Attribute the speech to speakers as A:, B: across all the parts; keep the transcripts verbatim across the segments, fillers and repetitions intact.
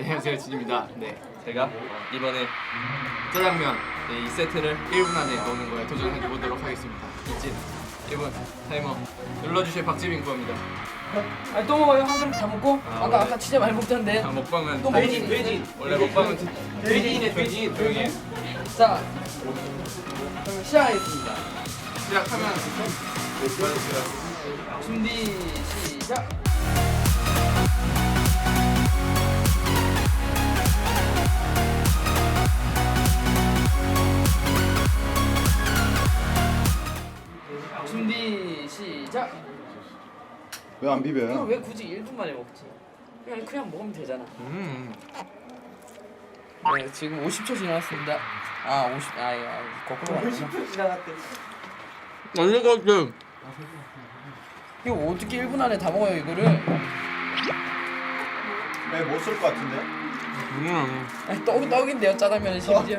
A: 안녕하세요, 진입니다. 네,
B: 제가 이번에
A: 짜장면 네, 이 세트를 일 분 안에 넣는 거에 도전해 보도록 하겠습니다. 이진 일 분 타이머 눌러주실 박지민구입니다.
C: 아니 또 먹어요? 한 그릇 다 먹고?
A: 아,
C: 아,
A: 원래-
C: 까 아까 진짜 많이 먹던데.
A: 아, 먹방은
C: 또
A: 돼지,
C: 먹지.
A: 돼지. 원래 먹방은
C: 돼지인의
A: 돼지 조용히 해.
C: 자, 그럼 시작하겠습니다.
A: 시작하면
C: 준비 시작. 준비 시작.
D: 왜 안
C: 이거
D: 비벼요?
C: 왜 굳이 일 분 만에 먹지? 그냥 그냥 먹으면 되잖아.
A: 음.
C: 네, 지금 오십 초 지났습니다. 아, 오십. 아, 예, 아, 거꾸로 갔구나.
A: 아니 같은
C: 이거 어떻게 일 분 안에 다 먹어요, 이거를?
D: 네, 못 쓸 것 같은데?
A: 음.
C: 아니, 떡 떡인데요, 짜장면은 심지어.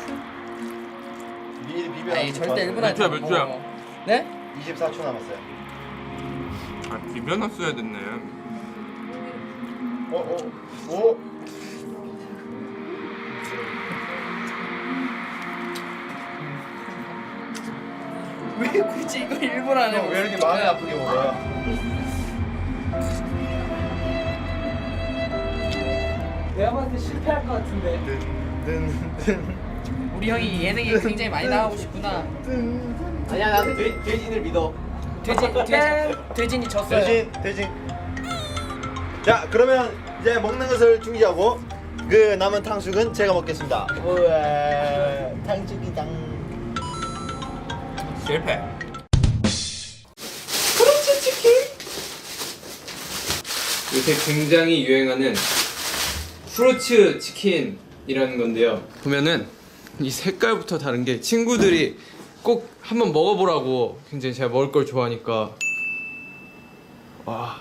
D: 미리 비벼.
C: 아니, 절대 일 분 안에
A: 몇 초야,
C: 다
A: 몇 초야?
C: 먹어. 네?
D: 이십사 초 남았어요.
A: 아, 비벼놨어야 됐네.
D: 어, 어, 오.
C: 왜 굳이 이거 일 분 안에
D: 형, 왜 이렇게 마음이 아프게 먹어요?
C: 내가 봤을 때 실패할 것 같은데. 우리 형이 예능에 굉장히 많이 나가고 싶구나.
E: 아니야 나는 돼, 돼지를 믿어.
C: 돼지 돼지 돼진이 졌어요.
D: 대신, 대신. 자, 그러면 이제 먹는 것을 중지하고 그 남은 탕수육은 제가 먹겠습니다. 우와, 탕수육이당.
A: 실패. 요새 굉장히 유행하는 후르츠 치킨이라는 건데요. 보면은 이 색깔부터 다른 게 친구들이 꼭 한번 먹어보라고 굉장히 제가 먹을 걸 좋아하니까 와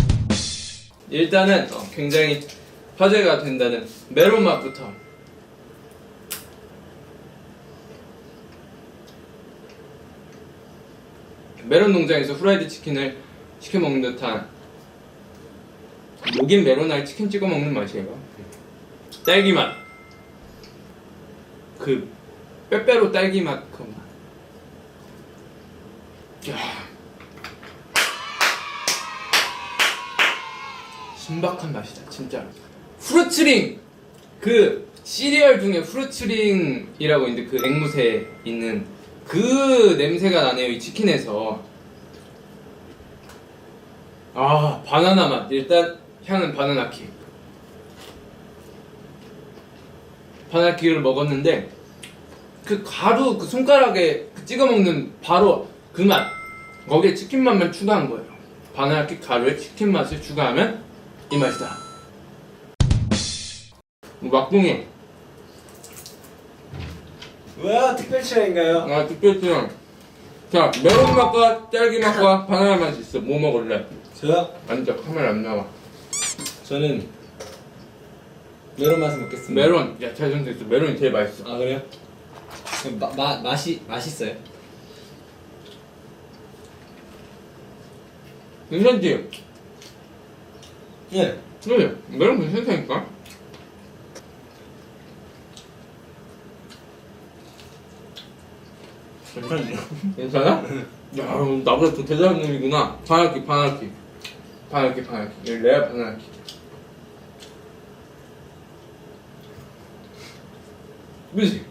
A: 일단은 어, 굉장히 화제가 된다는 메론 맛부터 메론 농장에서 후라이드 치킨을 시켜 먹는 듯한 녹인 메론알 치킨 찍어 먹는 맛이에요. 딸기 맛, 그 빼빼로 딸기 맛 그 맛. 야, 신박한 맛이다 진짜. 후르츠링 그 시리얼 중에 후르츠링이라고 있는데 그 앵무새 있는 그 냄새가 나네요 이 치킨에서. 아 바나나 맛. 일단 향은 바나나 킥. 바나나 킥을 먹었는데 그 가루 그 손가락에 그 찍어 먹는 바로 그 맛. 거기에 치킨 맛만 추가한 거예요. 바나나 킥 가루에 치킨 맛을 추가하면 이 맛이다. 막둥이.
E: 뭐야 특별 취향인가요?
A: 아 특별히요. 자 메론 맛과 딸기 맛과 바나나 맛이 있어. 뭐 먹을래?
E: 저요?
A: 앉아 카메라 안 나와.
E: 저는 메론 맛을 먹겠습니다.
A: 메론. 야 잘 선택했어. 메론이 제일 맛있어.
E: 아 그래요? 그럼 마, 마, 맛이 맛있어요?
A: 괜찮지?
E: 예.
A: 그래 메론 괜찮다니까.
E: 괜찮네요.
A: 괜찮아? 야 나보다 더 대단한 놈이구나. 바나키 바나키 바나키 바나키 이거 레아 바나키. 그지?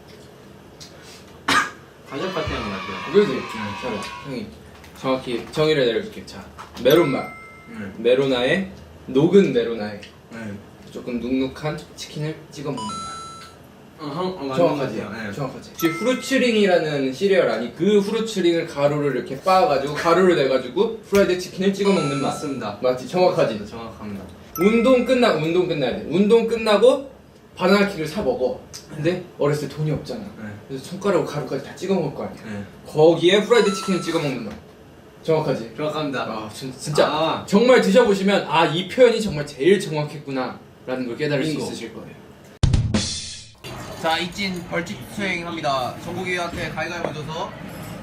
E: 가족 파티 하는 것 같아요.
A: 그지? 자 형이 정확히 정의를 내려줄게. 자 메론 맛.
E: 응.
A: 메로나에 녹은 메로나에
E: 네.
A: 조금 눅눅한 치킨을 찍어 먹는 맛.
E: 어, 형, 어, 맞는
A: 정확하지?
E: 것 같아요. 네.
A: 정확하지? 혹시 후르츠링이라는 시리얼 아니? 그 후르츠링을 가루를 이렇게 빻아가지고 가루를 내가지고 프라이드 치킨을 찍어 먹는 맛.
E: 맞습니다.
A: 맞지? 정확하지?
E: 정확합니다.
A: 운동 끝나 운동 끝나야 돼. 운동 끝나고 바나나키를 사 먹어. 근데 어렸을 때 돈이 없잖아.
E: 네.
A: 그래서 손가락으로 가루까지 다 찍어 먹을 거 아니야.
E: 네.
A: 거기에 프라이드 치킨을 찍어 먹는 맛. 정확하지?
E: 정확합니다.
A: 아 진, 진짜
E: 아.
A: 정말 드셔보시면 아 이 표현이 정말 제일 정확했구나 라는 걸 깨달을 수
E: 빙고.
A: 있으실 거예요.
F: 자, 이찐 벌칙 수행합니다. 정국이한테 가위가위 져서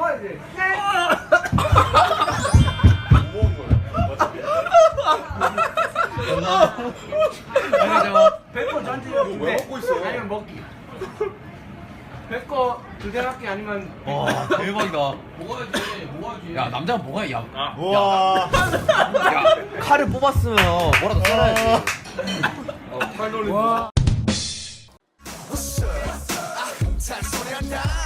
F: 백거 전체적인데
D: 왜 먹고 있어?
F: 아니면 먹기. 백거 두 개밖에 아니면
B: 와 대박이다. 먹어야지 먹어야지. 야 남자가 먹어야 야.
D: 우와.
B: 야 칼을 뽑았으면 뭐라도 썰어야지.
F: 와.
G: 잔소리 한다